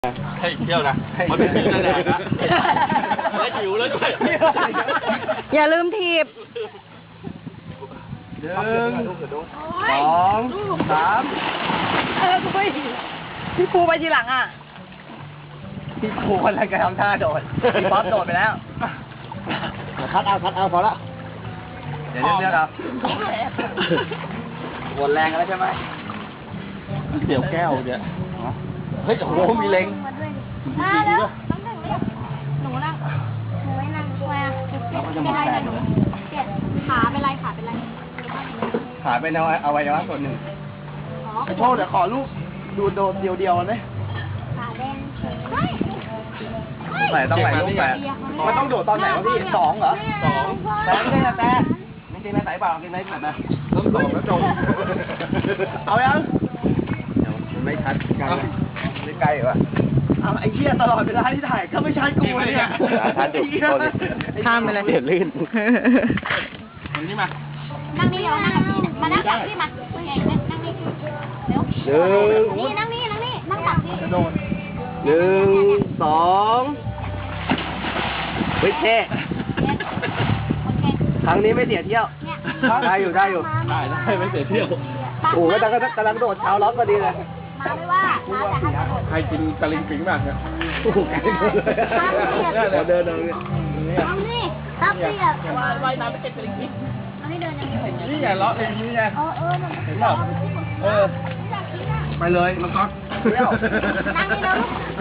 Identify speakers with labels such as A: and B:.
A: ให้เที่ยวนะมันเป็นที่นั่นแหละนะและหิวแล้วด้วย
B: อย่าลืมทีบ
C: 1 2 3
B: พี่ปูไปทีหลังอ่ะ
C: พี่ปูคนละกระทำท่าโดดพี่ป๊อปโดดไปแล้วคัดเอาพอละเดี๋ยวเลือกเอาหมดแรงแล้วใช่ไหม
A: เดี๋ยวแก้วเนี่ยเฮ้ยโอ้โหมีเล็ง
D: มาแล้วต้องถึงเรียกหนูนั่งหนูไม่นั่งด้วยอ่ะเป็นไรนะหนูเจ็บขาเป็นไรขาเป็นไร
C: ขาเป็นอวัยวะส่วนหนึ่ง
D: อ๋อ
C: ไอ้โชว์เดี๋ยวขอลูกดูโดดเดียวๆเลย
D: ขาแดงเฮ้ย
C: ต้องไหนลูกแปดมันต้องโดดตอนไหนวะพี่2เหรอ
A: 2
C: แต่ไม่ใช่นะแต่ไม่ใช่นะใส่เปล่ากินไหนแบบนะ
A: ต้อง2แล้วจง
C: เอายังเดี๋ยวมันไม่ชัดกันไม่ใกล้ว่ะเอาไอ้เหี้ยตลอดเวลาที่ถ่ายก็ไม่ชัดกูเลยเนี่ย
B: ข้ามไปเลย
C: เดี๋ยวลื่น
A: มันนี่มา
D: นั่งนี่เดี๋ยวนั่งกับพี่มานั่งกับพี่มาเก่งนั่งนี่เร็วนี่นั่งนี่นั่งตักพี่
C: 1 2เฮ้ยเท่ครั้งนี้ไม่เสียเที่ยวได้อยู่
A: ได้ไม่เสียเที่ยว
C: โอ้โหกำลังโดดเท้าล็อกพอดีเลย
D: มาไม่ว่ามาแต่ให้กระโดด
A: ใครกินตะลิงปิงบ้างเนี่ย
C: โอ้โหไกลเลยเดินเนี่ย
D: นั่งนี่รับพี่อ่ะว่ายน้ำไปเก็บกระดิ่งนั่งนี่เดินยังไง
A: นี่ไงเลาะเองนี่ไง
D: มัน
A: เห็นเปล่า
D: อยากกินอ่ะ
C: ไปเลยมังกรเที่ยว
D: นั่งนี่เร็ว